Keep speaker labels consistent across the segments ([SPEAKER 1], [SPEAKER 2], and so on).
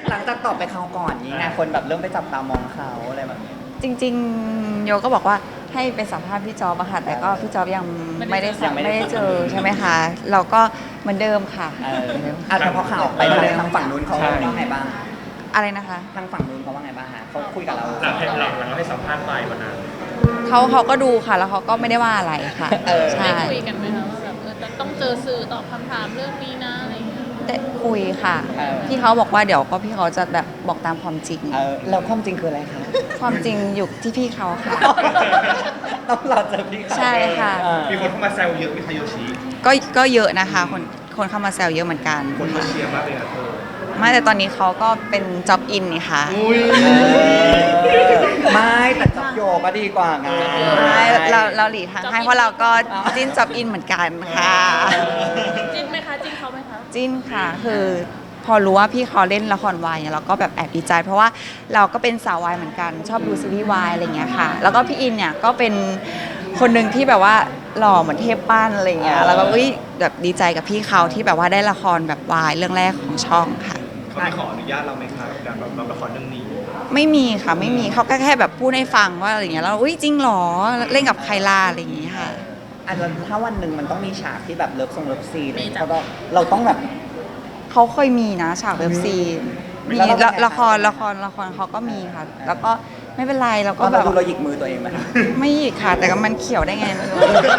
[SPEAKER 1] หลังจากตอบไปคราวก่อนนี้ไงคนแบบเริ่มไปจับตามองเขาอะไรแบบนี้
[SPEAKER 2] จริงๆโยก็บอกว่าให้ไปสัมภาษณ์พี่จอบอะค่ะแต่ก็พี่จอบยังไม่ได้เจอใช่ไหมคะเราก็เหมือนเดิมค่ะ
[SPEAKER 1] แต่พอข่าวออกไปทางฝั่งนู้นเขาว่าไงบ้าง
[SPEAKER 2] อะไรนะคะ
[SPEAKER 1] ทางฝั่งนู้นเขาว่าไงบ้างฮะเขาคุยกับเรา
[SPEAKER 3] หลังเราให้สัมภาษณ์ไปวันนั้น
[SPEAKER 2] เขาก็ดูค่ะแล้วเขาก็ไม่ได้ว่าอะไรค่ะใช่
[SPEAKER 4] ได้คุยกันไหมคะว่าแบบจะต้องเจอสื่อตอบคำถามเรื่องนี้นะอะไรอย่างเงี้ย
[SPEAKER 2] ได้คุยค่ะพี่เขาบอกว่าเดี๋ยวก็พี่เขาจะแบบบอกตามความจริง
[SPEAKER 1] แล้วความจริงคืออะไรคะ
[SPEAKER 2] ความจริงอยู่ที่พี่เขาค่ะ
[SPEAKER 1] ต้องรอเจอพี่
[SPEAKER 2] ใช่ค่ะ
[SPEAKER 3] มีคนเข้ามาแซวเยอะพี่ทาโยชิ
[SPEAKER 2] ก็เยอะนะคะคนเข้ามาแซวเยอะเหมือนกัน
[SPEAKER 3] คนมาเชียร์มากเลยอะเธอ
[SPEAKER 2] ไม่แต่ตอนนี้เขาก็เป็นจ็อบอินนี่ค่ะ
[SPEAKER 1] ไม่แต่จ็อบโยก็ดีกว่าไง
[SPEAKER 2] ไม่เราหลีทางให้เพราะเราก็จิ้นจ็อบอินเหมือนกันค่ะ
[SPEAKER 4] จิ้นไหมคะจิ้นเขาไหมคะ
[SPEAKER 2] จิ้นค่ะคือพอรู้ว่าพี่เขาเล่นละครวายเนี่ยเราก็แบบแอบดีใจ เพราะว่าเราก็เป็นสาววายเหมือนกันชอบดูซีรีส์วายอะไรเงี้ยค่ะแล้วก็พี่อินเนี่ยก็เป็นคนหนึ่งที่แบบว่าหล่อเหมือนเทพปั้นอะไรเงี้ยแล้วก็แบบดีใจกับพี่เขาที่แบบว่าได้ละครแบบวายเรื่องแรกของช่องค่ะ
[SPEAKER 3] เขาไม่ขออนุญาตเราไหมคะกับการแบบรับละครเรื่องนี้
[SPEAKER 2] ไม่มีค่ะไม่มีเขาก็แค่แบบพูดให้ฟังว่าอะไรเงี้ยแล้วจริงหรอเล่นกับใครล่ะอะไรอย่างงี้ค่ะ
[SPEAKER 1] ถ้าวันหนึ่งมันต้องมีฉากที่แบบเลิฟซีนเราต้องแบบ
[SPEAKER 2] เขาเคยมีนะฉากเลิฟซีนมีละครเขาก็มีค่ะแล้วก็ไม่เป็นไรเราก็แบบ
[SPEAKER 1] เราหยิกมือตัวเองไหม
[SPEAKER 2] ไม่หยิกค่ะแต่ก็มันเขียวได้ไงไม่รู้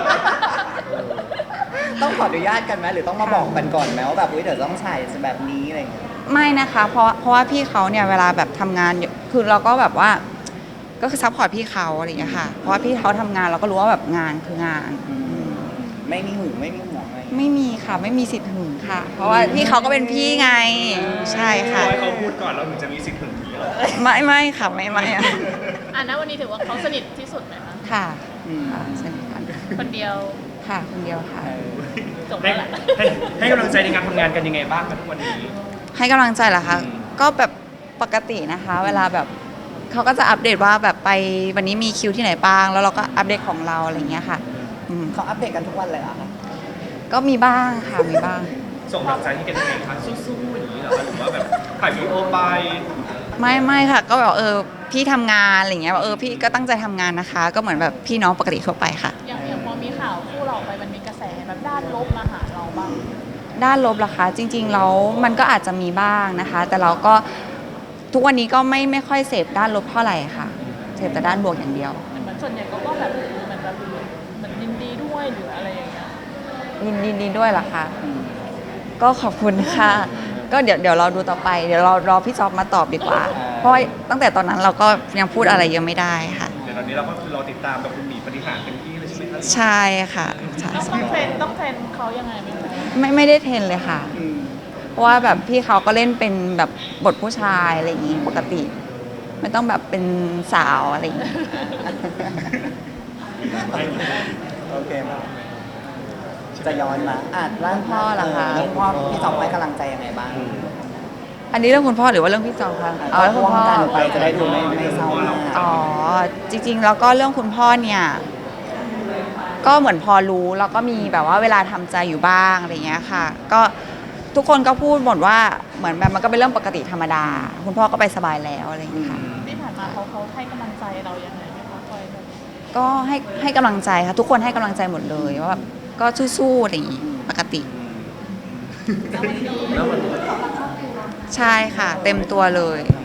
[SPEAKER 1] ต้องขออนุญาตกันไหมหรือต้องมาบอกกันก่อนไหมว่าแบบเดี๋ยวต้องใส่แบบนี้อะไรอย่างเงี้ย
[SPEAKER 2] ไม่นะคะเพราะว่าพี่เขาเนี่ยเวลาแบบทำงานคือเราก็แบบว่าก็คือซัพพอร์ตพี่เขาอะไรอย่างเงี้ยค่ะเพราะว่าพี่เขาทำงานเราก็รู้ว่าแบบงานคืองาน
[SPEAKER 1] ไม่มีหึงไม่มีห่วงอะไร
[SPEAKER 2] ไม่มีค่ะไม่มีสิทธิ์หึงค่ะเพราะว่าพี่เขาก็เป็นพี่ไงใช่ค่ะ
[SPEAKER 3] ให้เขาพูดก่อนแล้วถึงจะมีสิทธิ์หึงนี้หรอ
[SPEAKER 2] ไม่ค่ะไม่
[SPEAKER 4] อ่ะนะวันนี้ถือว่าเขาสนิทที่สุดไหมคะ
[SPEAKER 2] ค่ะสนิทกัน
[SPEAKER 4] คนเดียว
[SPEAKER 2] ค่ะคนเดียวค่ะ
[SPEAKER 4] จบแล้วแหละ
[SPEAKER 3] ให้กำลังใจในการทำงานกันยังไงบ้างกันทุกวันนี้
[SPEAKER 2] ให้กำลังใจเหรอคะก็แบบปกตินะคะเวลาแบบเขาก็จะอัปเดตว่าแบบไปวันนี้มีคิวที่ไหนบ้างแล้วเราก็อัปเดตของเราอะไรอย่างเงี้ยค่ะ
[SPEAKER 1] เขาอัปเดตกันทุกวันเลยเหรอคะ
[SPEAKER 2] ก็มีบ้างค่ะมีบ้าง
[SPEAKER 3] ส่งกำลังใจให้กันยังไงคะสู้ๆอย่างนี้เหรอหรือว่าแบบถ่ายวีดีโอไป
[SPEAKER 2] ไม่ค่ะก็แบบพี่ทำงานอะไรเงี้ยพี่ก็ตั้งใจทำงานนะคะก็เหมือนแบบพี่น้องปกติทั่วไปค่ะ
[SPEAKER 4] อย่างพอมีข่าวคู่เราไปมันมีกระแสแบบด้านลบมาหาเราบ้าง
[SPEAKER 2] ด้านลบล่ะคะจริงๆแล้วมันก็อาจจะมีบ้างนะคะแต่เราก็ทุกวันนี้ก็ไม่ค่อยเสพด้านลบเท่าไหร่ค่ะเสพแต่ด้านบวกอย่างเดียว
[SPEAKER 4] เหมือนส่วนใหญ่ก็แบบเหมือนยินดีด้วยหรืออะไรอย่างเงี้ย
[SPEAKER 2] ยินดีด้วยล่ะคะก็ขอบคุณค่ะก็เดี๋ยวเราดูต่อไปเดี๋ยวเรารอพี่จอบมาตอบดีกว่าเพราะตั้งแต่ตอนนั้นเราก็ยังพูดอะไรยังไม่ได้ค่ะ
[SPEAKER 3] เดี๋ยวตอนนี้เราก็คือรอติดตามกับคุณหมีปฏิหารเป็นที่เลยใช่ไหมคะ
[SPEAKER 2] ใช่ค่ะ
[SPEAKER 4] ต้องเทรนเขายังไง
[SPEAKER 2] ไม่ได้เทรนเลยค่ะเพราะว่าแบบพี่เขาก็เล่นเป็นแบบบทผู้ชายอะไรอย่างงี้ปกติไม่ต้องแบบเป็นสาวอะไรอย่างงี้
[SPEAKER 1] โอเคมาจะย้อนมาเรื่องพ่อเหรอคะเรื่องพ่อพี่จอมให้กำลังใจยังไงบ้าง
[SPEAKER 2] อันนี้เรื่องคุณพ่อหรือว่าเรื่องพี่จอมคะ
[SPEAKER 1] เรื่องคุณพ่อไปจะได้ดูไม่เศร้ามาก
[SPEAKER 2] จริงๆแล้วก็เรื่องคุณพ่อเนี่ยก็เหมือนพอรู้แล้วก็มีแบบว่าเวลาทำใจอยู่บ้างอะไรเงี้ยค่ะก็ทุกคนก็พูดหมดว่าเหมือนแบบมันก็เป็นเรื่องปกติธรรมดาคุณพ่อก็ไปสบายแล้วอะไรอย่างเงี้ยค่ะ
[SPEAKER 4] ที่ผ่านมาเขาให้กำลังใจเรายังไงไหมคะคอยแบบ
[SPEAKER 2] ก็ให้กำลังใจค่ะทุกคนให้กำลังใจหมดเลยว่าแบบก็สู้ๆอะไรอย่างงี้ปกติใช่ค่ะเต็มตัวเลย